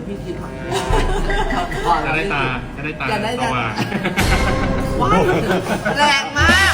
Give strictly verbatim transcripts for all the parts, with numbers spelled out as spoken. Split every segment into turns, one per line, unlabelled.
พี่กินผัก
จะได้ตาจะได้ตา
จะได้
สว่าง
ว้ายแรงมาก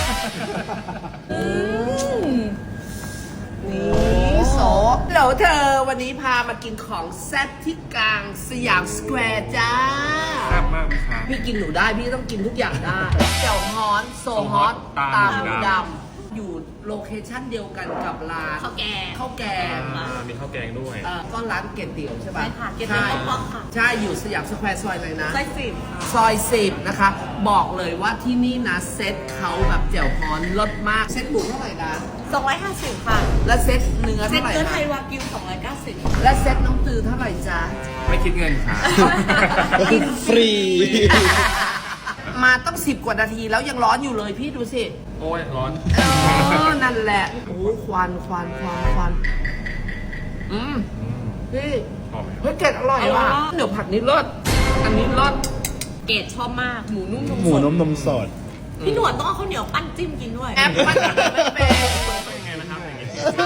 นี่โสเดี๋ยวเธอวันนี้พามากินของแซ่บที่กลางสยามสแควร์จ้า
แซ่บมากพี่ครับ
พี่กินหนูได้พี่ต้องกินทุกอย่างได้เจียวฮ้อนโซฮอต
ตา
ตาม
หมู
หมู
ดำ
ดำอยู่โลเคชั่นเดียวกันกับร้าน
ข้าวแกง
ข้าวแกง
อ่ามีข้าวแกงด้วย
เอ่อก็ร้านเกตเตี๋ยวใช่ปะ
ใช่ค่ะเกตเตี๋ยวป๊อกๆค่ะ
ใช่อยู่สยามสแควร์ซอยอะไรนะ
ไส้สิบ
ซอยสิบนะคะ บอกเลยว่าที่นี่นะเซ็ตเขาแบบแจ่วฮ้อนรสมากเซ็ตหมูเท่าไหร่นะ
สองร้อยห้าสิบค่ะ
และเซ็ตเนื้อ
เซ็ต
เท่าไหร่
เนื้อไท
นะ
ยวากิวสองร้อยเก้าสิบ
และเซ็ตน้องตือเท่าไหร่จ๊ะ
ไม่คิดเงินค่ะ
กิน
ฟรี
มาต้องสิบกว่านาทีแล้วยังร้อนอยู่เลยพี่ดูสิ
โอ้ยร้อน
เออนั่นแหละโอ้ควันควันควันควันอืม
อืม
พี่
หอมไหมครับ
เฮ้ยเกล็ดอร่อยว่ะเดี๋ยวผัดนี้รสอันนี้รส
เกดชอบมากหมูนุ่มนม
หมู
สด
นมนมสด
พี่หนวดต้องเอาข้าวเหนียวปั้นจิ้มกินด้วย
แอปมันไม่เป็น
เป็นไงนะครับอย่างนี้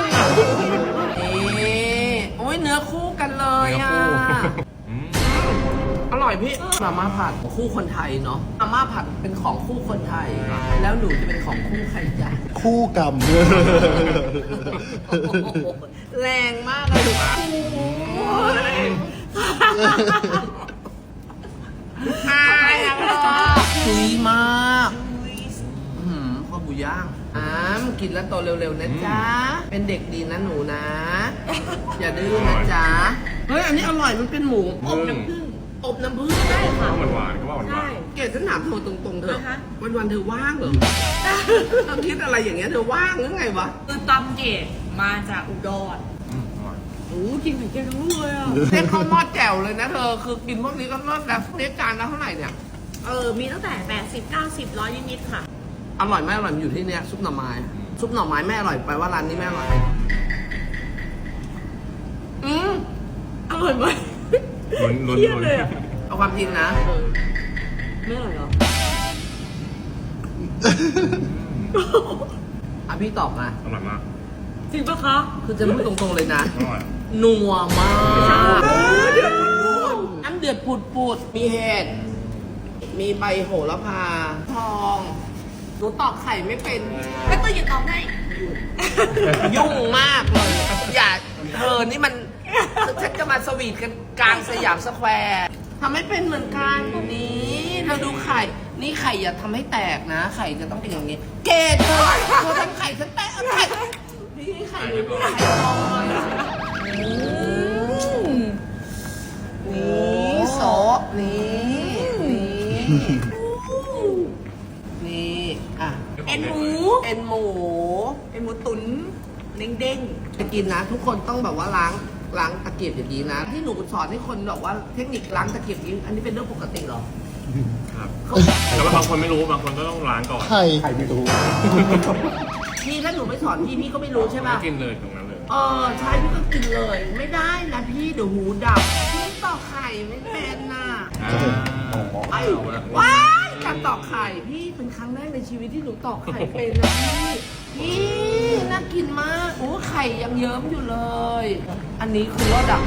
นี่โอ้ยเนื้อคู่กันเลย
เนื้อ
อ่ะ
คู่อืม
อร่อยพี่มาม่าผัดคู่คนไทยเนาะมาม่าผัดเป็นของคู่คนไทย แล้วหนูจะเป็นของคู่ใครจ๊ะ
คู่กรรม
โอ้โหแรงมากเลยโอ้ยอายอ่ะคุยมากอืมข้าวหมูย่างอ้ามกินแล้วโตเร็วๆนะจ๊ะ เป็นเด็กดีนะหนูนะ อย่าดื้อนะจ๊ะ เฮ้ย อันนี้อร่อยมันเป็นหมูอบน้ำผึ้งอบน้ำผึ้งได้ค่ะ
หวานหวานๆก็ว่าหวานหวาน
เกดฉันถามเธอตรงๆเถอะ
นะคะ
วันวันๆเธอว่างเหรอเธอคิดอะไรอย่างเงี้ยเธอว่างหรือไงวะ
คือตำเกดมาจากอุดร
อืมอร่อย
โอ้กินเหมือนเกดทั้งลูกเลยอ่ะ
เรียกข้าวหม้อแจ่วเลยนะเธอ คือกินพวกนี้ก็รสแล้วพวกนี้จานละเท่าไหร่เนี่ย
เออมีตั้งแต่แปดสิบเก้าสิบร้อยนิดๆค่ะ
อร่อยไหมอร่อยมันอยู่ที่เนี้ยซุปหน่อไม้ ซุปหน่อไม้ไม่อร่อยไปว่าร้านนี้ไม่อร่อย อืม
อร่อยไหม
ลุ้นลุ้น
เครียด
ลุ้น
เลยอะ
เอาความจริงนะ
ไม่อร่อยเหรอ
อ่ะพี่ตอบมา
อร่อยมาก
จริงปะคะ
คือจะพูดตรงๆเลยนะ
อร่อย
นัวมาก
เออเดือด
น้ำเดือดปูดปูดๆมีเห็ด มีใบโหระพา ทองหนูตอกไข่ไม่เป็น
ไม่ต้องหยิบตอบให้
ยุ่งมากเลย อย่าเธอนี่มันฉันจะมาสวีทกันกลางสยามสแควร์ทำให้เป็นเหมือนกันนี่เธอดูไข่ นี่ไข่อย่าทำให้แตกนะ ไข่จะต้องเป็นอย่างนี้ เกดเธอเธอทำไข่ฉันแตกเอาไข่นี่ไข่หรือไข่ทองอืมนี่โซะนี่นี่นี่อ่ะ
เอ็นหมู
เอ็นหมู
เอ็นหมูตุ๋นเด้ง
จะกินนะ ทุกคนต้องแบบว่าล้างล้างตะเกียบอย่างนี้นะ ที่หนูสอนให้คนบอกว่าเทคนิคล้างตะเกียบอย่างนี้อันนี้เป็นเรื่องปกติเหรอ
ครับแต่ว่าบางคนไม่รู้บางคนก็ต้องล้างก่อน
ใครใครไม่รู้
พี่ถ้าหนูไม่สอนพี่พี่ก็ไม่รู้ใช่ป่ะ
ไม่กินเลยตรงนั้นเลย
เออใช่พี่ก็กินเลย ไม่ได้นะพี่เดี๋ยวหูดับพี่ตอกไข่ไม่เป็นน่ะ
อ่า
ไอ้
เอาละ
ว้ายการตอกไข่พี่เป็นครั้งแรกในชีวิตที่หนูตอกไข่เป็นนะพี่พี่น่ากินมากโอ้ไข่ยังเยิ้มอยู่เลย อันนี้คือรสดับ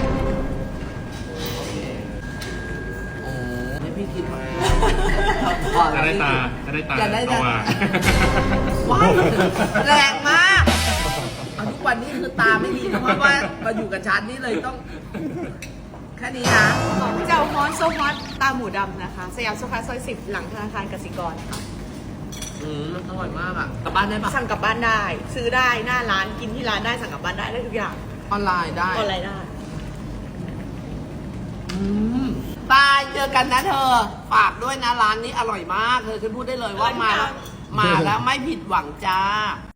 โอ้ให้พี่กินผัก
จะได้ตาจะได้ตา
จะได้
ส
ตา
ว่าง
ว้ายแรงมากเอาทุกวันนี้คือตาไม่ดีนะเพราะว่ามาอยู่กับฉันนี่เลยต้อง แค่นี้นะ
ๆเจ้าฮอนโซฮอตตาหมูดำนะคะ สยามสุขาซอยสิบหลังธนาคารกสิกรค่ะ
อืมอร่อยมากอ่ะกลับบ้านได้ปะ
สั่งกลับบ้านได้ ซื้อได้หน้าร้านกินที่ร้านได้สั่งกลับบ้านได้ได้ทุกอย่าง
ออนไลน์ได้
ออนไลน์ได้
อืมตายเจอกันนะเธอ ฝากด้วยนะร้านนี้อร่อยมาก เธอฉันพูดได้เลยว่ามาแล้ว มาแล้วไม่ผิดหวังจ้า